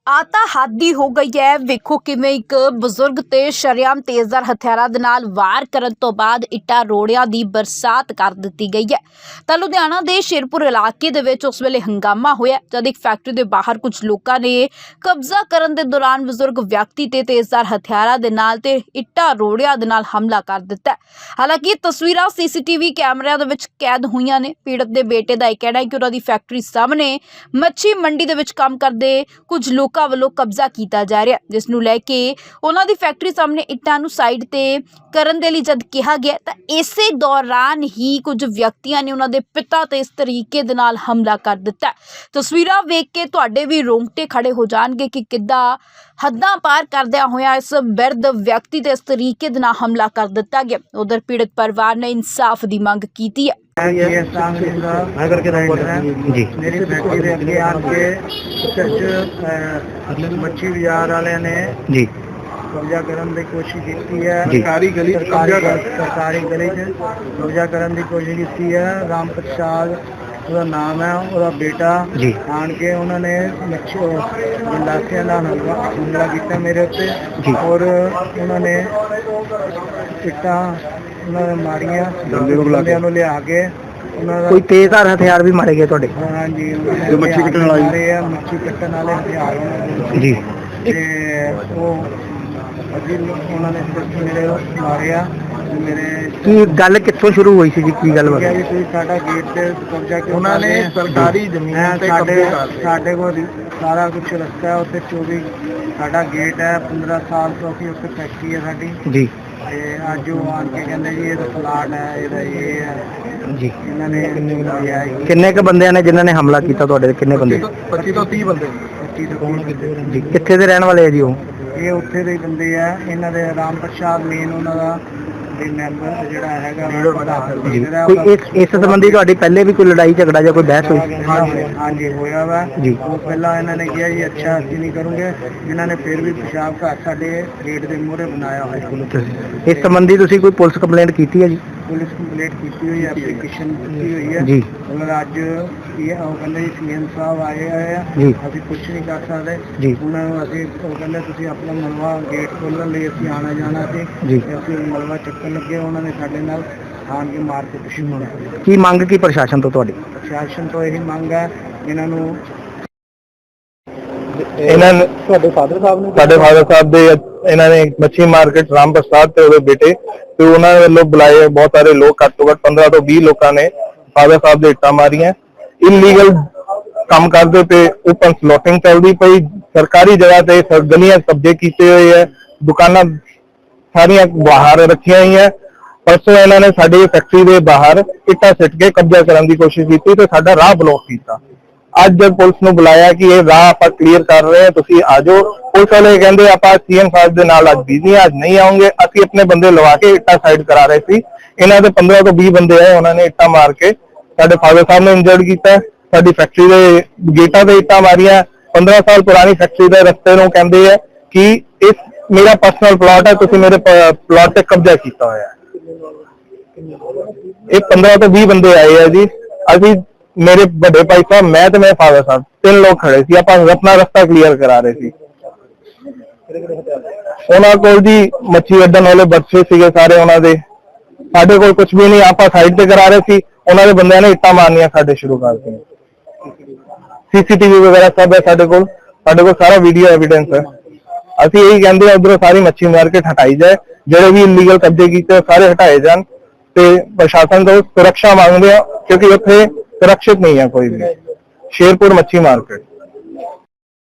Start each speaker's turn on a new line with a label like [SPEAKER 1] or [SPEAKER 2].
[SPEAKER 1] आता हादी हो गई है। वेखो किवें एक बजुर्ग ते शरेआम तेजदार हथियारां दे नाल वार करन तो बाद इट्टा रोड़ियां दी बरसात कर दित्ती गई है। तां लुधियाना दे शेरपुर इलाके दे विच उस वेले हंगामा होया जद एक फैक्ट्री दे बाहर कुछ लोकां ने कब्जा करन दे दौरान बजुर्ग व्यक्ति ते तेजदार हथियारां दे नाल ते इट्टा रोड़ियां दे नाल हमला कर दित्ता। हालांकि तस्वीरां सीसीटीवी कैमरिਆਂ ਦੇ ਵਿੱਚ कैद होईयां ने। पीड़ित दे बेटे दा कहना है कि उन्हां दी फैक्ट्री सामने मच्छी मंडी दे विच काम करदे कुछ लोग ਵੱਲੋਂ ਕਬਜ਼ਾ ਕੀਤਾ ਜਾ ਰਿਹਾ, ਜਿਸ ਨੂੰ ਲੈ ਕੇ ਉਹਨਾਂ ਦੀ ਫੈਕਟਰੀ ਸਾਹਮਣੇ ਇੱਟਾਂ ਨੂੰ ਸਾਈਡ ਤੇ ਕਰਨ ਦੇ ਲਈ ਜਦ ਕਿਹਾ ਗਿਆ ਤਾਂ ਇਸੇ ਦੌਰਾਨ ਹੀ ਕੁਝ ਵਿਅਕਤੀਆਂ ਨੇ ਉਹਨਾਂ ਦੇ ਪਿਤਾ ਤੇ ਇਸ ਤਰੀਕੇ ਦੇ ਨਾਲ ਹਮਲਾ ਕਰ ਦਿੱਤਾ। ਤਸਵੀਰਾਂ ਵੇਖ ਕੇ ਤੁਹਾਡੇ ਵੀ ਰੋਂਗਟੇ ਖੜੇ ਹੋ ਜਾਣਗੇ ਕਿ ਕਿੱਦਾਂ ਹੱਦਾਂ ਪਾਰ ਕਰਦਿਆਂ ਹੋਇਆ ਇਸ ਬਿਰਧ ਵਿਅਕਤੀ ਤੇ ਇਸ ਤਰੀਕੇ ਦੇ ਨਾਲ ਹਮਲਾ ਕਰ ਦਿੱਤਾ ਗਿਆ। ਉਧਰ ਪੀੜਤ ਪਰਿਵਾਰ ਨੇ ਇਨਸਾਫ ਦੀ ਮੰਗ ਕੀਤੀ ਹੈ।
[SPEAKER 2] मेरी फैक्ट्री के अगे आके मच्छी बाजार वाले ने कब्जा करने की कोशिश की है। सरकारी गली कब्जा करने की कोशिश की है। राम प्रसाद ਉਹਦਾ ਨਾਮ ਹੈ, ਉਹਦਾ ਬੇਟਾ ਆਣ ਕੇ ਉਹਨਾਂ ਨੇ ਗੰਡਾਸਿਆਂ ਦਾ ਹਮਲਾ ਕੀਤਾ ਮੇਰੇ ਉੱਤੇ ਔਰ ਉਹਨਾਂ ਨੇ ਇੱਟਾਂ ਉਹਨਾਂ ਨੇ ਮਾਰੀਆਂ। ਬੰਦਿਆਂ ਨੂੰ ਲਿਆ ਕੇ ਉਹਨਾਂ ਦਾ
[SPEAKER 3] ਕੋਈ ਤੇਜ਼ਧਾਰ ਹਥਿਆਰ ਵੀ ਮਾਰੇ ਗਏ ਤੁਹਾਡੇ?
[SPEAKER 2] ਹਾਂਜੀ, ਜੋ ਮੱਛੀ ਕੱਟਣ ਵਾਲੇ ਆ, ਮੱਛੀ ਕੱਟਣ ਵਾਲੇ ਹਥਿਆਰ
[SPEAKER 3] ਜੀ।
[SPEAKER 2] ਤੇ ਉਹ ਅਜੀ ਉਹਨਾਂ ਨੇ ਮੇਰੇ ਮਾਰਿਆ। ਮੇਰੇ
[SPEAKER 3] ਕੀ ਗੱਲ ਕਿੱਥੋਂ ਸ਼ੁਰੂ ਹੋਈ ਸੀ ਜੀ? ਕੀ ਗੱਲ
[SPEAKER 2] ਹੋਈ? ਤੁਸੀਂ ਸਾਡਾ ਗੇਟ ਤੇ ਕਬਜ਼ਾ ਕਿਉਂ? ਉਹਨਾਂ ਨੇ ਸਰਕਾਰੀ ਜ਼ਮੀਨ ਤੇ ਸਾਡੇ ਕੋਲ ਸਾਰਾ ਕੁਝ ਰਸਤਾ ਹੈ ਉੱਥੇ। 24 ਸਾਡਾ ਗੇਟ ਹੈ। 15 ਸਾਲ ਤੋਂ ਅਸੀਂ ਉੱਥੇ ਫੈਕਟਰੀ ਹੈ ਸਾਡੀ ਜੀ। ਤੇ ਅੱਜ ਉਹ ਆਣ ਕੇ ਕਹਿੰਦੇ ਜੀ ਇਹ ਤਾਂ ਪਲਾਟ ਹੈ, ਇਹਦਾ ਇਹ ਹੈ ਜੀ। ਇਹਨਾਂ ਨੇ
[SPEAKER 3] ਕਿੰਨੇ ਕ ਬੰਦਿਆਂ ਨੇ ਜਿਨ੍ਹਾਂ ਨੇ ਹਮਲਾ ਕੀਤਾ ਤੁਹਾਡੇ ਤੇ? ਕਿੰਨੇ ਬੰਦੇ?
[SPEAKER 2] 25 ਤੋਂ 30 ਬੰਦੇ। 25 ਤੋਂ 30
[SPEAKER 3] ਜੀ। ਕਿੱਥੇ ਦੇ ਰਹਿਣ ਵਾਲੇ ਆ ਜੀ ਉਹ?
[SPEAKER 2] ਇਹ ਉੱਥੇ ਦੇ ਬੰਦੇ ਆ। ਇਹਨਾਂ ਦੇ ਰਾਮ ਪ੍ਰਸਾਦ ਮੇਨ ਉਹਨਾਂ ਦਾ ਮੈਂਬਰ ਜਿਹੜਾ ਹੈਗਾ
[SPEAKER 3] ਕੋਈ ਇਸ ਸੰਬੰਧੀ ਤੁਹਾਡੀ ਪਹਿਲੇ ਵੀ ਕੋਈ ਲੜਾਈ ਝਗੜਾ ਜਾਂ ਕੋਈ ਬਹਿਸ ਹੋਈ?
[SPEAKER 2] ਹਾਂਜੀ ਹੋਇਆ ਵਾ ਜੀ। ਉਹ ਪਹਿਲਾਂ ਇਹਨਾਂ ਨੇ ਕਿਹਾ ਜੀ ਅੱਛਾ ਅਸੀਂ ਨਹੀਂ ਕਰੂੰਗੇ। ਇਹਨਾਂ ਨੇ ਫਿਰ ਵੀ ਪਿਸ਼ਾਬ ਘਰ ਸਾਡੇ ਗੇਟ ਦੇ ਮੂਹਰੇ ਬਣਾਇਆ ਹੋਇਆ।
[SPEAKER 3] ਇਸ ਸੰਬੰਧੀ ਤੁਸੀਂ ਕੋਈ ਪੁਲਿਸ ਕੰਪਲੇਂਟ ਕੀਤੀ ਹੈ ਜੀ?
[SPEAKER 2] ਪੁਲਿਸ ਕੰਪਲੇਂਟ ਕੀਤੀ ਹੋਈ ਹੈ, ਐਪਲੀਕੇਸ਼ਨ ਦਿੱਤੀ ਹੋਈ ਹੈ
[SPEAKER 3] ਜੀ।
[SPEAKER 2] ਉਹਨਾਂ ਅੱਜ ਉਹ ਕਹਿੰਦੇ ਜੀ ਸੀਐਮ ਸਾਹਿਬ ਆਏ ਹੋਏ ਆ, ਅਸੀਂ ਕੁਝ ਨਹੀਂ ਕਰ ਸਕਦੇ ਜੀ। ਉਹਨਾਂ ਨੂੰ ਅਸੀਂ ਉਹ ਕਹਿੰਦੇ ਤੁਸੀਂ ਆਪਣਾ ਮਲਵਾ ਗੇਟ ਖੋਲ੍ਹਣ ਲਈ ਅਸੀਂ ਆਉਣਾ ਜਾਣਾ ਸੀ ਜੀ। ਅਸੀਂ ਮਲਵਾ ਚੱਕਣ ਲੱਗੇ, ਉਹਨਾਂ ਨੇ ਸਾਡੇ ਨਾਲ ਆਣ ਕੇ ਮਾਰ ਕੇ ਪਿੱਛੇ ਮੁੜਿਆ।
[SPEAKER 3] ਕੀ ਮੰਗ ਕੀ ਪ੍ਰਸ਼ਾਸਨ ਤੋਂ ਤੁਹਾਡੀ?
[SPEAKER 2] ਪ੍ਰਸ਼ਾਸਨ ਤੋਂ ਇਹੀ ਮੰਗ ਹੈ ਇਹਨਾਂ ਨੂੰ
[SPEAKER 3] ਤੁਹਾਡੇ ਫਾਦਰ ਸਾਹਿਬ ਨੇ?
[SPEAKER 4] ਸਾਡੇ ਫਾਦਰ ਸਾਹਿਬ ਦੇ ਇਹਨਾਂ ਨੇ ਮੱਛੀ ਮਾਰਕੀਟ ਰਾਮ ਪ੍ਰਸਾਦ ਤੇ ਉਹਦੇ ਬੇਟੇ ਤੇ ਉਹਨਾਂ ਵੱਲੋਂ ਬੁਲਾਏ ਬਹੁਤ ਸਾਰੇ ਲੋਕ, ਘੱਟ ਤੋਂ ਘੱਟ 15 ਤੋਂ 20 ਲੋਕਾਂ ਨੇ ਫਾਦਰ ਸਾਹਿਬ ਦੇ ਇੱਟਾਂ ਮਾਰੀਆਂ। ਇਲੀਗਲ ਕੰਮ ਕਰਦੇ ਪਏ, ਓਪਨ ਸਲੋਟਿੰਗ ਚੱਲਦੀ ਪਈ, ਸਰਕਾਰੀ ਜਗ੍ਹਾ ਤੇ ਗਲੀਆਂ ਕਬਜ਼ੇ ਕੀਤੇ ਹੋਏ ਹੈ, ਦੁਕਾਨਾਂ ਸਾਰੀਆਂ ਬਾਹਰ ਰੱਖੀਆਂ ਹੋਈਆਂ। ਪਰਸੋਂ ਇਹਨਾਂ ਨੇ ਸਾਡੀ ਫੈਕਟਰੀ ਦੇ ਬਾਹਰ ਇੱਟਾਂ ਸਿੱਟ ਕੇ ਕਬਜ਼ਾ ਕਰਨ ਦੀ ਕੋਸ਼ਿਸ਼ ਕੀਤੀ ਤੇ ਸਾਡਾ ਰਾਹ ਬਲੌਕ ਕੀਤਾ। ਅੱਜ ਜਦ ਪੁਲਿਸ ਨੂੰ ਬੁਲਾਇਆ ਕਿ ਇਹ ਰਾਹ ਆਪਾਂ ਕਲੀਅਰ ਕਰ ਰਹੇ ਹਾਂ, ਤੁਸੀਂ ਆ ਜਾਓ, ਪੁਲਿਸ ਵਾਲੇ ਕਹਿੰਦੇ ਆਪਾਂ ਸੀਐਮ ਸਾਹਿਬ ਦੇ ਨਾਲ ਅੱਜ ਬਿਜ਼ੀ ਅੱਜ ਨਹੀਂ ਆਉਂਗੇ। ਅਸੀਂ ਆਪਣੇ ਬੰਦੇ ਲਵਾ ਕੇ ਇੱਟਾਂ ਸਾਈਡ ਕਰਾ ਰਹੇ ਸੀ। ਇਹਨਾਂ ਦੇ 15 ਤੋਂ 20 ਬੰਦੇ ਆਏ, ਉਹਨਾਂ ਨੇ ਇੱਟਾਂ ਮਾਰ ਕੇ ਸਾਡੇ ਫਾਦਰ ਸਾਹਿਬ ਨੂੰ ਇੰਜਰਡ ਕੀਤਾ। ਸਾਡੀ ਫੈਕਟਰੀ ਦੇ ਗੇਟਾਂ ਤੇ ਇੱਟਾਂ ਮਾਰੀਆਂ। 15 ਸਾਲ ਪੁਰਾਣੀ ਫੈਕਟਰੀ ਦੇ ਰਸਤੇ ਨੂੰ ਕਹਿੰਦੇ ਆ ਕਿ ਇਸ ਮੇਰਾ ਪਰਸਨਲ ਪਲਾਟ ਹੈ, ਤੁਸੀਂ ਮੇਰੇ ਪਲਾਟ ਤੇ ਕਬਜ਼ਾ ਕੀਤਾ ਹੋਇਆ ਹੈ। ਇਹ 15 ਤੋਂ 20 ਬੰਦੇ ਆਏ ਆ ਜੀ। ਅਸੀਂ ਮੇਰੇ ਵੱਡੇ ਭਾਈ ਸਾਹਿਬ, ਮੈਂ ਤੇ ਮੇਰੇ ਫਾਦਰ ਸਾਹਿਬ, 3 ਲੋਕ ਖੜੇ ਸੀ। ਆਪਾਂ ਆਪਣਾ ਰਸਤਾ ਕਲੀਅਰ ਕਰਾ ਰਹੇ ਸੀ। ਉਹਨਾਂ ਕੋਲ ਜੀ ਮੱਛੀ ਵੱਢਣ ਵਾਲੇ ਬੱਚੇ ਸੀਗੇ ਸਾਰੇ ਉਹਨਾਂ ਦੇ। ਸਾਡੇ ਕੋਲ ਕੁਝ ਵੀ ਨਹੀਂ, ਆਪਾਂ ਸਾਈਡ ਤੇ ਕਰਾ ਰਹੇ ਸੀ। ਉਹਨਾਂ ਦੇ ਬੰਦਿਆਂ ਨੇ ਇੱਟਾਂ ਮਾਰਨੀਆਂ ਸਾਡੇ ਸ਼ੁਰੂ ਕਰ ਦਿੱਤੀਆਂ। ਸੀਸੀਟੀਵੀ ਵਗੈਰਾ ਸਭ ਹੈ ਸਾਡੇ ਕੋਲ ਸਾਰਾ ਵੀਡੀਓ ਐਵੀਡੈਂਸ ਹੈ। ਅਸੀਂ ਇਹੀ ਕਹਿੰਦੇ ਆ ਉਧਰੋਂ ਸਾਰੀ ਮੱਛੀ ਮਾਰਕੀਟ ਹਟਾਈ ਜਾਏ, ਜਿਹੜੇ ਵੀ ਇਲੀਗਲ ਕਬਜ਼ੇ ਕੀਤੇ ਸਾਰੇ ਹਟਾਏ ਜਾਣ ਤੇ ਪ੍ਰਸ਼ਾਸਨ ਤੋਂ ਸੁਰੱਖਿਆ ਮੰਗਦੇ ਆ ਕਿਉਂਕਿ ਉੱਥੇ ਸੁਰੱਖਿਅਤ ਨਹੀਂ ਹੈ ਕੋਈ ਵੀ। शेरपुर मच्छी मार्केट।